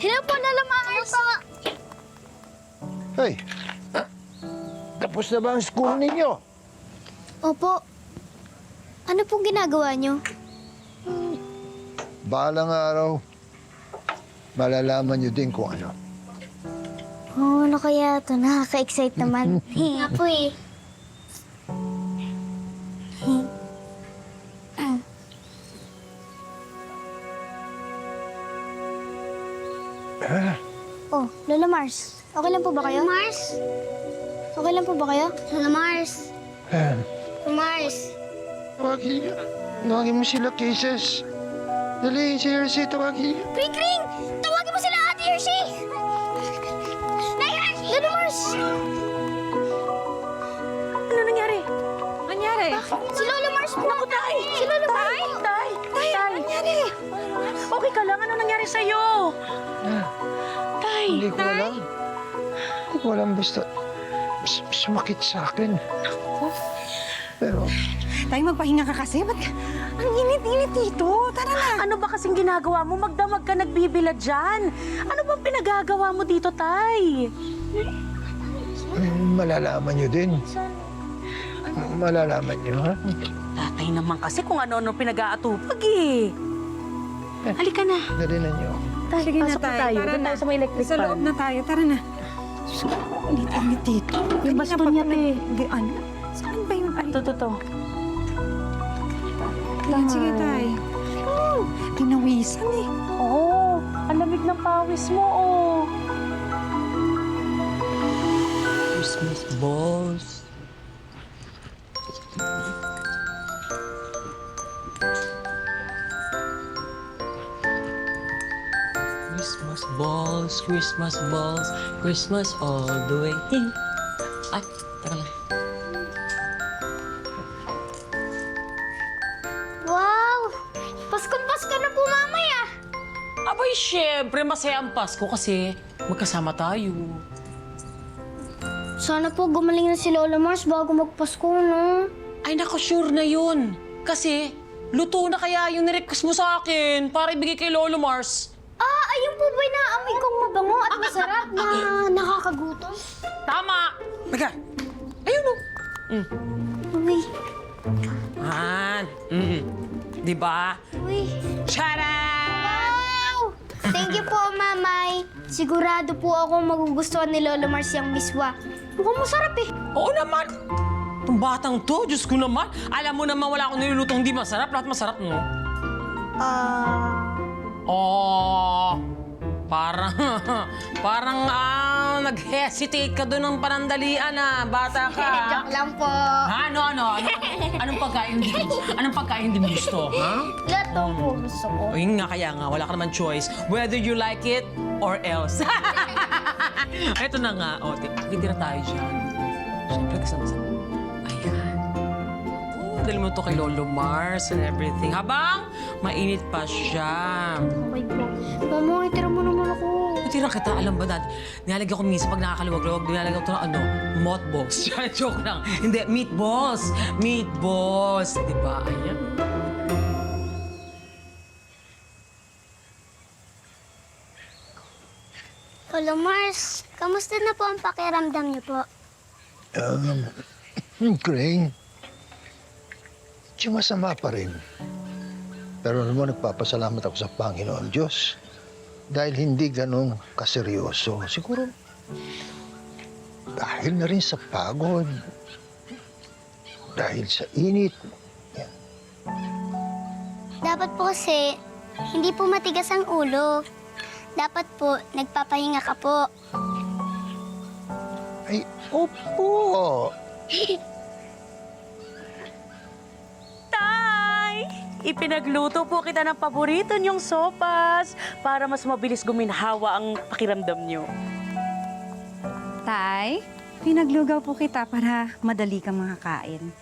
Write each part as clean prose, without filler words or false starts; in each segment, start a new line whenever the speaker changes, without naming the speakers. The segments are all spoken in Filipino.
Hello po, Lola Mars!
Hey, tapos na ba ang school ninyo?
Opo. Ano pong ginagawa niyo?
Balang araw, malalaman nyo din kung ano.
Oh, ano kaya ito? Nakaka-excite naman. Nga po eh. Oh, Lola Mars. Okay lang po ba kayo? Lola Mars? Okay lang po ba kayo? Lola Mars. Lola Mars.
Tawagin mo sila, Kisses. Dali, si Hershey, tawagin niyo.
Ring! Tawagin mo sila, Ate Hershey! Nay Hershey! Lola Mars!
Ano nangyari? Nangyari?
Si Lola Mars po!
Naku, Tay!
Si Lola Mars
Tay!
po!
Tay! Tay! Ano nangyari? Okay ka lang? Ano nangyari sa'yo? Tay!
Hindi ko alam. Hindi ko alam, basta sumakit sa akin. Pero,
Tay, magpahinga ka kasi. Ba't ang init-init dito? Tara na.
Ano ba kasing ginagawa mo? Magdamag ka nagbibila dyan. Ano bang pinagagawa mo dito, Tay?
malalaman nyo din. Malalaman nyo, ha?
Tatay naman kasi kung ano-ano pinag-aatupag eh. Halika na.
Dali na nyo.
Tay,
Sige na,
pasok
Tay.
tayo.
Tara
Doon
na.
tayo sa may electric
Sa
fan.
loob na tayo. Tara na. Init-init dito.
Yung baston niya, te.
Ano? Saan ba yung...
Ito.
Yan, sige, Tay. Pinawisan eh.
Oo, ang lamig ng pawis mo, oh.
Christmas balls. Christmas balls, Christmas balls, Christmas all the way. Ay, teka lang.
Wow! Paskong-pasko na po mamaya!
Abay, syempre, masaya ang Pasko kasi magkasama tayo.
Sana po gumaling na si Lola Mars bago magpasko, no?
Ay, naku, sure na yun. Kasi, luto na kaya yung nirequest mo sa akin para ibigay kay Lolo Mars.
Ah, ayun po ba'y naamoy kong mabango at masarap na nakakagutom?
Tama! Teka, ayun o.
Uy,
Han. Di ba?
uy.
Charan!
Wow! Thank you po, Mamay. Sigurado po ako magugustuhan ni Lola Mars yung miswa. Mukhang masarap eh.
Oo naman. Itong batang to, Diyos ko naman. Alam mo naman wala akong nilulutong hindi masarap. Lahat masarap, no? Oh, parang nag-hesitate ka doon ng panandalian, bata ka.
Joke lang po.
Ha? Anong pagkain hindi mo? Anong pagkain hindi mo gusto, ha?
Lahat daw po gusto ko.
O yun nga, kaya nga, wala ka naman choice. Whether you like it or else. Ito na nga, titira tayo dyan. Siyempre, kasama sa... Ayan. Dali mo to kay Lolo Mars and everything. Habang mainit pa siya.
Okay po. Mama, itira mo naman ako.
Tira kita, alam ba dad? Nilalagyan ko minsan pag nakakaluwag-luwag, nilalagyan ko ng mothballs. Joke lang. Hindi, meatballs. Meatballs. Di ba? Ayan.
Lola Mars, kamusta na po ang pakiramdam niyo po?
Crane, masama pa rin. Pero alam mo, nagpapasalamat ako sa Panginoon Diyos. Dahil hindi ganun kaseryoso. Siguro, dahil na rin sa pagod. Dahil sa init. Yan.
Dapat po kasi, hindi po matigas ang ulo. Dapat po, nagpapahinga ka po.
Ay, opo.
Tay! Ipinagluto po kita ng paborito niyong sopas para mas mabilis guminhawa ang pakiramdam niyo.
Tay, pinaglugaw po kita para madali kang makakain.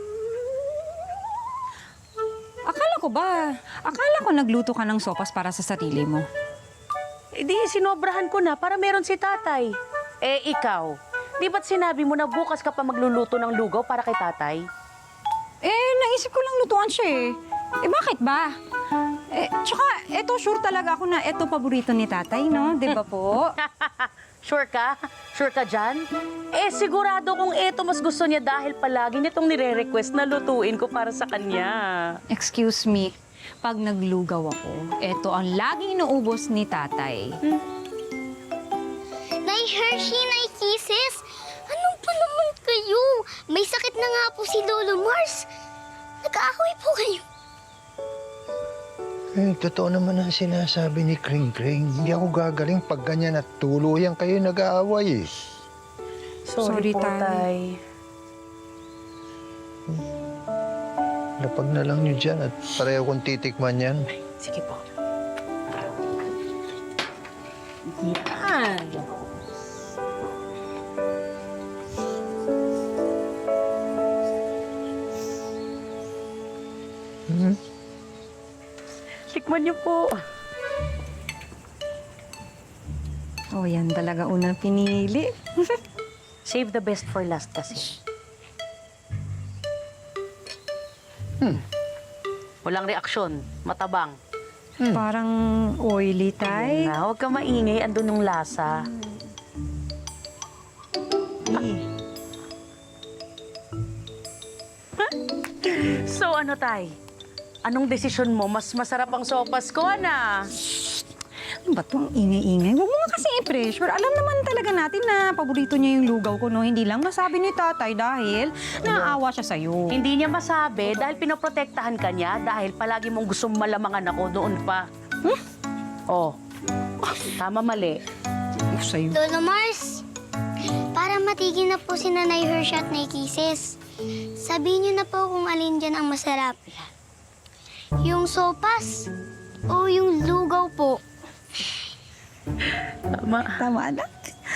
Akala ko nagluto ka ng sopas para sa sarili mo.
Eh di, sinobrahan ko na para meron si tatay. Eh, ikaw, di ba't sinabi mo na bukas ka pa magluluto ng lugaw para kay tatay?
Eh, naisip ko lang lutuan siya eh. Eh, bakit ba? Tsaka, eto sure talaga ako na eto paborito ni tatay, no? Di ba po?
Sure ka? Sure ka dyan? Eh, sigurado kung eto mas gusto niya dahil palagi nitong nire-request na lutuin ko para sa kanya.
Excuse me, pag naglugaw ako, eto ang laging inuubos ni tatay.
Nay Hershey, Nay Kisses, anong pa naman kayo? May sakit na nga po si Lolo Mars. Nag-aaway po kayo.
Eh, totoo naman ang sinasabi ni Kring Kring. Hindi ako gagaling pag ganyan at tuluyan kayo nag-aaway eh.
Sorry,
po,
Tay.
Tay.
Lapag na lang nyo dyan at pareho kong titikman yan.
Sige po. Yan. Tikman niyo po.
Oh, yan talaga unang pinili.
Save the best for last kasi. Walang reaksyon. Matabang.
Parang oily, tay.
Na, huwag ka maingay. Andun yung lasa. So ano, Tay? Anong desisyon mo? Mas masarap ang sopas ko, na?
Ano ba itong ingay-ingay? Huwag mo nga kasi i-pressure. Alam naman talaga natin na paborito niya yung lugaw ko, no? Hindi lang nasabi ni tatay dahil naaawa siya sa'yo.
Hindi niya masabi dahil pinoprotektahan ka niya dahil palagi mong gustong malamangan ako noon pa. Oh, tama mali.
Sa'yo.
Lolo Mars, para matigil na po si Nanay Hershey at Nay Kisses, sabihin niyo na po kung alin dyan ang masarap. Yung sopas o yung lugaw po.
Tama.
Tama na.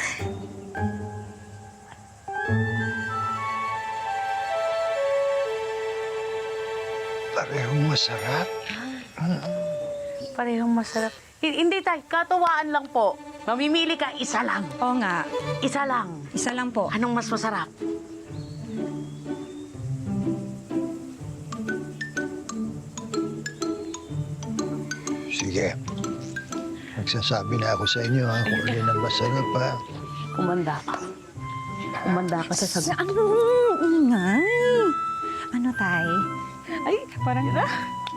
Parehong masarap.
Parehong masarap. Hindi, Tay. Katuwaan lang po. Mamimili ka, isa lang.
Oo nga.
Isa lang.
Isa lang po.
Anong mas masarap?
Sige. Magsasabi na ako sa inyo ha, kung alin ang masarap ha.
Kumanda ka. Kumanda ka sa sagot.
Ano? Ingay. Ano, tay? Ay, parang na.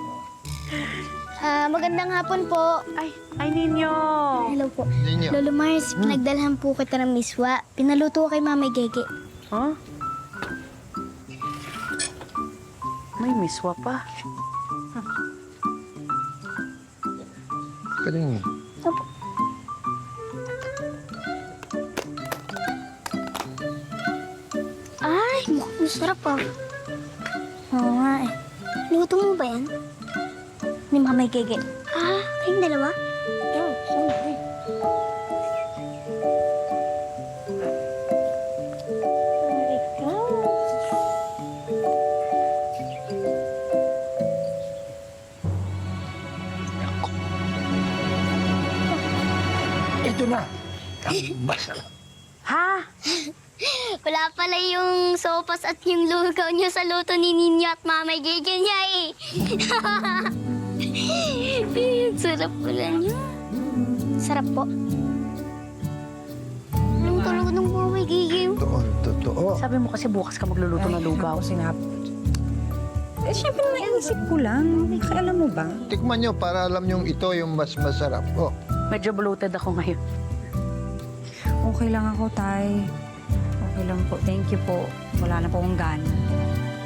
Magandang hapon po.
Ay, Ninyo.
Hello po.
Ninyo.
Lolo Mars, pinagdalhan po kita ng miswa. Pinaluto ko kay Mama Gege.
Huh? May miswa pa.
Kaling,
Opo. Ay, mukhang masarap ah. Oo nga eh. Luto mo ba yan? Ni Mama Gege. Kayong dalawa? Oo, siyempre.
ito na. Ang masarap.
Ha?
Wala pala yung sopas at yung lugaw niyo sa luto ni Ninyo at Mama Gege niya eh. Sarap pala niya. Sarap po. Anong tulog ng Mama Gege?
Totoo.
Sabi mo kasi bukas ka magluluto ng lugaw.
Eh, syempre naisip ko lang. Alam mo ba?
Tikman nyo para alam nyo ito yung mas masarap. Oh.
Medyo bloated ako ngayon.
Okay lang ako, tay. Okay lang po. Thank you po. Wala na po akong gana.